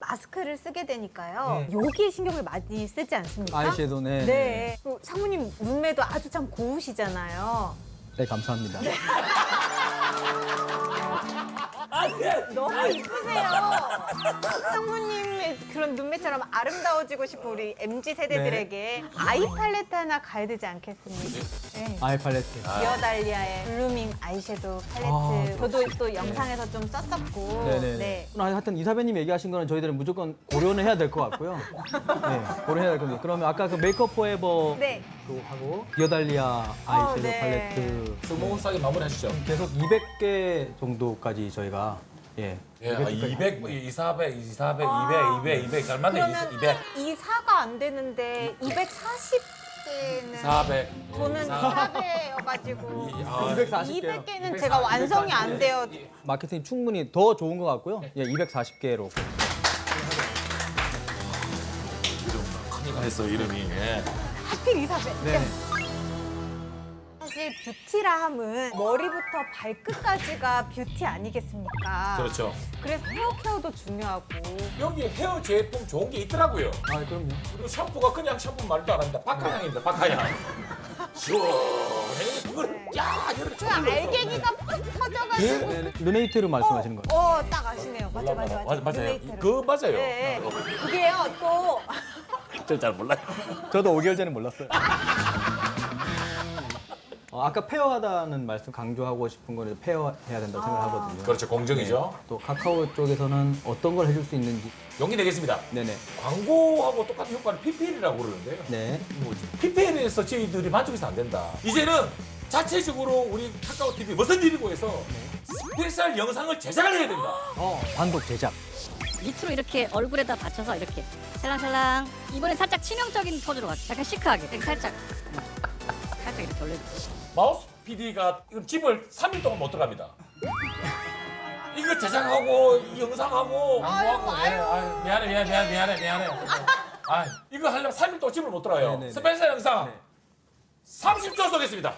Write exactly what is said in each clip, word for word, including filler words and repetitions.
마스크를 쓰게 되니까요. 여기에 신경을 많이 쓰지 않습니까? 아이섀도우, 네. 네. 그 상무님 눈매도 아주 참 고우시잖아요. 네, 감사합니다. 너무 이쁘세요. 상무님의 그런 눈매처럼 아름다워지고 싶은 우리 엠지 세대들에게 아이 팔레트 하나 가야 되지 않겠습니까? 네. 아이 팔레트. 디어달리아의 블루밍 아이섀도우 팔레트. 아, 저도 또 영상에서 좀 썼었고. 네네네. 네. 하여튼 이사배님 얘기하신 거는 저희들은 무조건 고려는 해야 될 것 같고요. 네, 고려해야 될 겁니다. 그러면 아까 그 메이크업 포에버 네. 그거 하고 디어달리아 아이섀도우 네. 팔레트 스무스하게 마무리하시죠. 계속 이백 개 정도까지 저희가 예. 예, 아, 이백, 이사백, 이사백, 아. 이백, 이백, 이백, 얼마네? 그러면 이백, 이 사가 안 되는데 이백사십 개는 사백. 저는 사배여가지고 아, 이백사십 개요. 이백 개는 제가 완성이 안 돼요. 마케팅이 충분히 더 좋은 것 같고요. 예, 이백사십 개로. 큰이가 했어 이름이. 예. 하필 이사배. 네. 사실 뷰티라 함은 머리부터 발끝까지가 뷰티 아니겠습니까? 그렇죠. 그래서 헤어 케어도 중요하고. 여기 헤어 제품 좋은 게 있더라고요. 아, 그럼요. 그리고 샴푸가 그냥 샴푸 말도 안 합니다. 박하향입니다. 박하향. 시원해. 그걸 야 이렇게 그 알갱이가 푹 터져가지고. 예? 네, 네. 루네이트를 말씀하시는 거예요. 어, 딱 아시네요. 맞아, 맞아, 맞아. 맞아, 맞아요. 루네이트를. 그거 맞아요. 네. 그게요, 또. 저잘 몰라요. 저도 오 개월 전에 몰랐어요. 어, 아까 페어하다는 말씀 강조하고 싶은 거는 페어해야 된다고 생각하거든요. 그렇죠. 공정이죠. 네. 또 카카오 쪽에서는 어떤 걸 해줄 수 있는지. 용기 내겠습니다. 네네. 광고하고 똑같은 효과를 피피엘이라고 그러는데요. 네. 피피엘에서 저희들이 만족해서 안 된다. 이제는 자체적으로 우리 카카오 티비 무슨 일이고 해서 스페셜 영상을 제작을 해야 된다. 어, 단독 제작. 밑으로 이렇게 얼굴에다 받쳐서 이렇게 살랑살랑. 이번엔 살짝 치명적인 포즈로 갔어. 약간 시크하게. 이렇게 살짝 살짝 이렇게 올려주세요. 마우스 피디가 이거 집을 삼 일 동안 못 들어갑니다. 이거 제작하고 이 영상하고 광고하고 예, 아유, 미안해 미안해 미안해 미안해 미안해. 아 이거 하려면 삼 일 동안 집을 못 들어가요. 네네네. 스페셜 영상 네. 삼십 초 쏘겠습니다.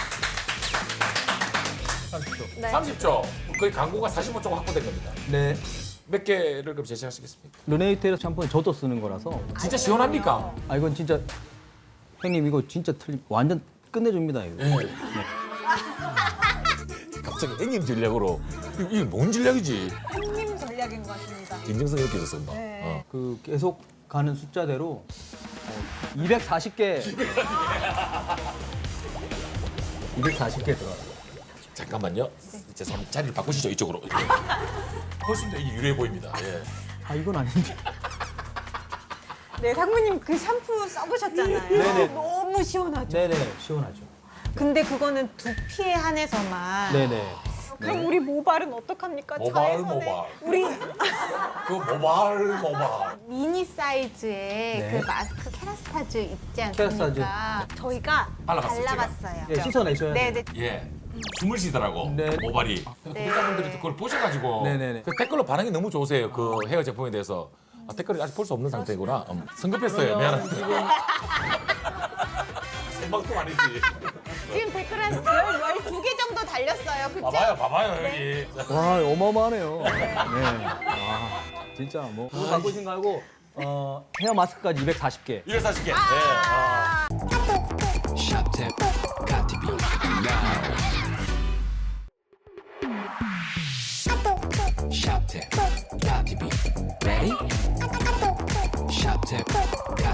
삼십 초. 네. 삼십 초. 거의 광고가 사십오 초가 확보된 겁니다. 네. 몇 개를 그럼 제시하시겠습니까? 루네이트 샴푸는 저도 쓰는 거라서. 진짜 시원합니까? 아, 이건 진짜 형님 이거 진짜 틀림 완전 끝내줍니다 이거. 네. 갑자기 형님 전략으로 이거, 이거 뭔 전략이지? 형님 전략인 것 같습니다. 인정성 이렇게 있었어. 막. 네. 어. 그 계속 가는 숫자대로 어, 이백사십 개. 이백사십 개 들어가. 잠깐만요. 이제 선 자리를 바꾸시죠 이쪽으로. 훨씬 더 이게 유리해 보입니다. 예. 아, 이건 아닌데. 네, 상무님 그 샴푸 써보셨잖아요. 네네. 너무 시원하죠. 네네. 시원하죠. 근데 그거는 두피에 한해서만. 네네. 그럼 네. 우리 모발은 어떡합니까? 모발, 자외선에. 모발. 우리 그 모발 모발. 미니 사이즈의 네. 그 마스크 케라스타즈 있지 않습니까? 케라스타즈. 저희가 발라봤어요, 제가. 발라봤어요. 예, 씻어내셔야 돼요. 네네. 예. 숨을 쉬더라고. 네. 모발이. 네. 구독자분들이 그걸 보셔가지고 네네네. 그 댓글로 반응이 너무 좋으세요. 그 헤어 제품에 대해서. 아, 댓글을 아직 볼 수 없는 상태구나. 음, 성급했어요. 미안합니다. 생방송 아니지. 지금 댓글 한 열두 개 정도 달렸어요. 그쵸? 봐봐요, 봐봐요 여기. 와, 어마어마하네요. 네. 와, 진짜 뭐. 그거 바꾸신 거 알고 어, 헤어 마스크까지 이백사십 개. 이백사십 개. 예. 아. Shop got to be now. Shop got to be ready. Shop got